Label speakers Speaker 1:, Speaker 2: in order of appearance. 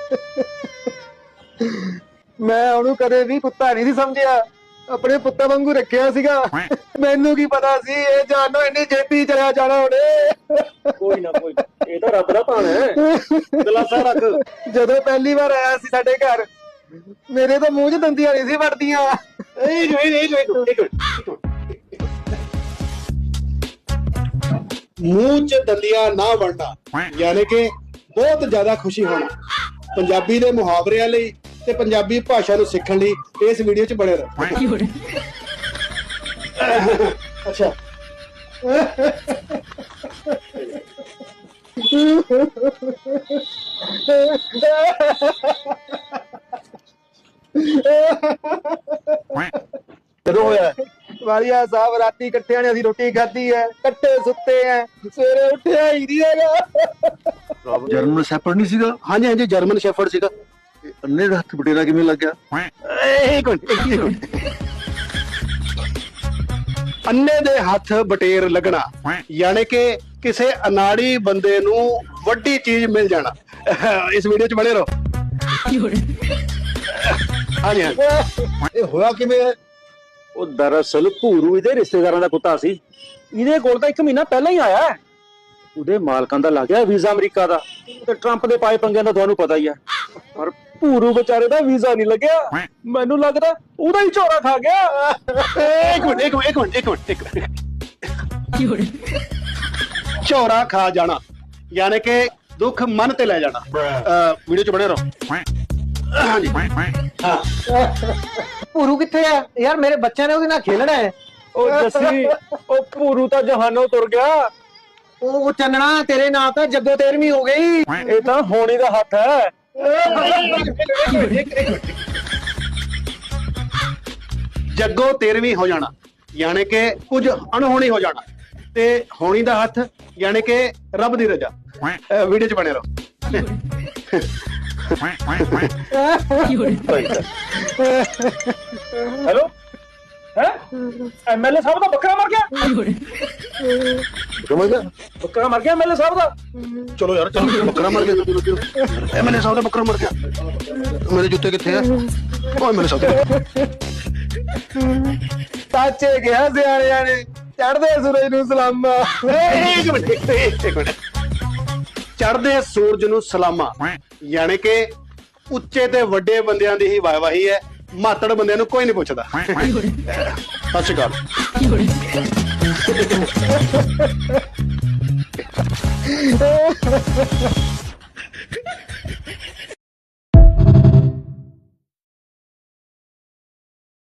Speaker 1: ਮੈਂ ਉਹਨੂੰ ਕਦੇ ਵੀ ਕੁੱਤਾ ਨਹੀਂ ਸੀ ਸਮਝਿਆ, ਆਪਣੇ ਪੁੱਤਾਂ ਵਾਂਗੂ ਰੱਖਿਆ ਸੀਗਾ। ਮੈਨੂੰ ਕੀ ਪਤਾ ਸੀ ਇਹ ਜਾਨੋ ਇੰਨੀ ਛੇਤੀ ਚਲਿਆ ਜਾਣਾ ਉਹਨੇ।
Speaker 2: ਕੋਈ ਨਾ ਕੋਈ, ਇਹ ਤਾਂ ਰੱਬ ਦਾ ਭਾਣਾ ਹੈ, ਦਿਲਾਸਾ ਰੱਖ।
Speaker 1: ਜਦੋਂ ਪਹਿਲੀ ਵਾਰ ਆਇਆ ਸੀ ਸਾਡੇ ਘਰ, ਮੇਰੇ ਤਾਂ ਮੂੰਹ 'ਚ ਦੰਦੀਆਂ ਨਹੀਂ ਸੀ ਵੜਦੀਆਂ।
Speaker 3: ਮੂੰਹ 'ਚ ਦੰਦੀਆਂ ਨਾ ਵੜਨਾ ਯਾਨੀ ਕਿ ਬਹੁਤ ਜ਼ਿਆਦਾ ਖੁਸ਼ੀ ਹੋਣਾ। ਪੰਜਾਬੀ ਦੇ ਮੁਹਾਵਰਿਆਂ ਲਈ ਤੇ ਪੰਜਾਬੀ ਭਾਸ਼ਾ ਨੂੰ ਸਿੱਖਣ ਲਈ ਇਸ ਵੀਡੀਓ 'ਚ ਬਣੇ ਰਹੋ। ਅੱਛਾ,
Speaker 1: ਕਦੋਂ ਹੋਇਆ? ਵਾਲੀਆ ਸਾਹਿਬ ਰਾਤੀ ਇਕੱਠਿਆਂ ਨੇ ਅਸੀਂ ਰੋਟੀ ਖਾਧੀ ਹੈ, ਇਕੱਠੇ ਸੁੱਤੇ ਆ, ਸਵੇਰੇ ਉੱਠਿਆ ਹੀ ਨਹੀਂ ਹੈਗਾ।
Speaker 4: ਜਰਮਨ ਸ਼ੈਫਰਡ ਨਹੀਂ ਸੀਗਾ?
Speaker 3: ਹਾਂਜੀ ਹਾਂਜੀ, ਜਰਮਨ ਸ਼ੈਫਰਡ ਸੀਗਾ।
Speaker 4: ਅੰਨੇ ਦਾ ਹੱਥ ਬਟੇਰਾ ਕਿਵੇਂ ਲੱਗ ਗਿਆ?
Speaker 3: ਇੱਕ ਮਿੰਟ। ਅੰਨੇ ਦੇ ਹੱਥ ਬਟੇਰ ਲੱਗਣਾ ਯਾਨੀ ਕਿ ਕਿਸੇ ਅਨਾੜੀ ਬੰਦੇ ਨੂੰ ਵੱਡੀ ਚੀਜ਼ ਮਿਲ ਜਾਣਾ। ਇਸ ਵੀਡੀਓ 'ਚ ਬਣੇ ਰਹੋ। ਹਾਂਜੀ ਹਾਂਜੀ,
Speaker 1: ਇਹ ਹੋਇਆ ਕਿਵੇਂ?
Speaker 2: ਉਹ ਦਰਅਸਲ ਭੂਰੂ ਇਹਦੇ ਰਿਸ਼ਤੇਦਾਰਾਂ ਦਾ ਕੁੱਤਾ ਸੀ। ਇਹਦੇ ਕੋਲ ਤਾਂ 1 ਮਹੀਨਾ ਪਹਿਲਾਂ ਹੀ ਆਇਆ। ਉਹਦੇ ਮਾਲਕਾਂ ਦਾ ਲੱਗ ਗਿਆ ਵੀਜ਼ਾ ਅਮਰੀਕਾ ਦਾ, ਤੇ ਟਰੰਪ ਦੇ ਪਾਏ ਪੰਗਿਆਂ ਦਾ ਤੁਹਾਨੂੰ ਪਤਾ ਹੀ ਆ। ਪਰ ਭੂਰੂ ਵਿਚਾਰੇ ਦਾ ਵੀਜ਼ਾ ਨਹੀਂ ਲੱਗਿਆ। ਮੈਨੂੰ ਲੱਗਦਾ ਉਹਦਾ ਹੀ ਝੋਰਾ ਖਾ ਗਿਆ।
Speaker 3: ਇੱਕ ਮਿੰਟ। ਝੋਰਾ ਖਾ ਜਾਣਾ ਯਾਨੀ ਕਿ ਦੁੱਖ ਮਨ ਤੇ ਲੈ ਜਾਣਾ। ਵੀਡੀਓ 'ਚ ਬਣੇ ਰਹੋ। ਹਾਂਜੀ ਹਾਂ।
Speaker 1: ਭੂਰੂ ਕਿੱਥੇ ਆ ਯਾਰ? ਮੇਰੇ ਬੱਚਿਆਂ ਨੇ ਉਹਦੇ ਨਾਲ ਖੇਲਣਾ ਹੈ।
Speaker 2: ਉਹ ਜੱਸੀ, ਉਹ ਭੂਰੂ ਤਾਂ ਜਹਾਨੋਂ ਤੁਰ ਗਿਆ।
Speaker 1: ਉਹ ਚੰਨਣਾ, ਤੇਰੇ ਨਾਂ ਤਾਂ ਜੱਗੋ 13ਵੀਂ ਹੋ ਗਈ।
Speaker 2: ਇਹ ਤਾਂ ਹੋਣੀ ਦਾ ਹੱਥ ਹੈ।
Speaker 3: ਜੱਗੋ 13ਵੀਂ ਹੋ ਜਾਣਾ ਯਾਨੀ ਕਿ ਕੁਝ ਅਣਹੋਣੀ ਹੋ ਜਾਣਾ, ਤੇ ਹੋਣੀ ਦਾ ਹੱਥ ਯਾਨੀ ਕਿ ਰੱਬ ਦੀ ਰਜ਼ਾ। ਵੀਡੀਓ 'ਚ ਬਣੇ ਰਹੋ।
Speaker 2: ਹੈਲੋ, ਹੈ ਐਮਐਲਏ ਸਾਹਿਬ ਦਾ ਬੱਕਰਾ ਮਰ ਗਿਆ। ਬੱਕਰਾ ਮਰ ਗਿਆ ਐਮਐਲਏ ਸਾਹਿਬ ਦਾ।
Speaker 3: ਚਲੋ ਯਾਰ, ਚਲੋ। ਬੱਕਰਾ ਮਰ ਗਿਆ। ਐਮਐਲਏ ਸਾਹਿਬ ਦਾ ਬੱਕਰਾ ਮਰ ਗਿਆ। ਮੇਰੇ ਜੁੱਤੇ ਕਿੱਥੇ ਆ? ਓਏ ਮੇਰੇ ਸਾਹਿਬ
Speaker 1: ਸਾਚੇ ਗਿਆ ਸਿਆਣਿਆਂ ਨੇ, ਚੜ੍ਹਦੇ ਸੂਰਜ ਨੂੰ ਸਲਾਮਾਂ।
Speaker 3: ਇੱਕ ਮਿੰਟ। ਚੜ੍ਹਦੇ ਸੂਰਜ ਨੂੰ ਸਲਾਮਾਂ ਯਾਨੀ ਕਿ ਉੱਚੇ ਤੇ ਵੱਡੇ ਬੰਦਿਆਂ ਦੀ ਹੀ ਵਾਹਵਾਹੀ ਹੈ, ਮਾਤੜ ਬੰਦਿਆਂ ਨੂੰ ਕੋਈ ਨਹੀਂ ਪੁੱਛਦਾ। ਸਤਿ ਸ਼੍ਰੀ ਅਕਾਲ।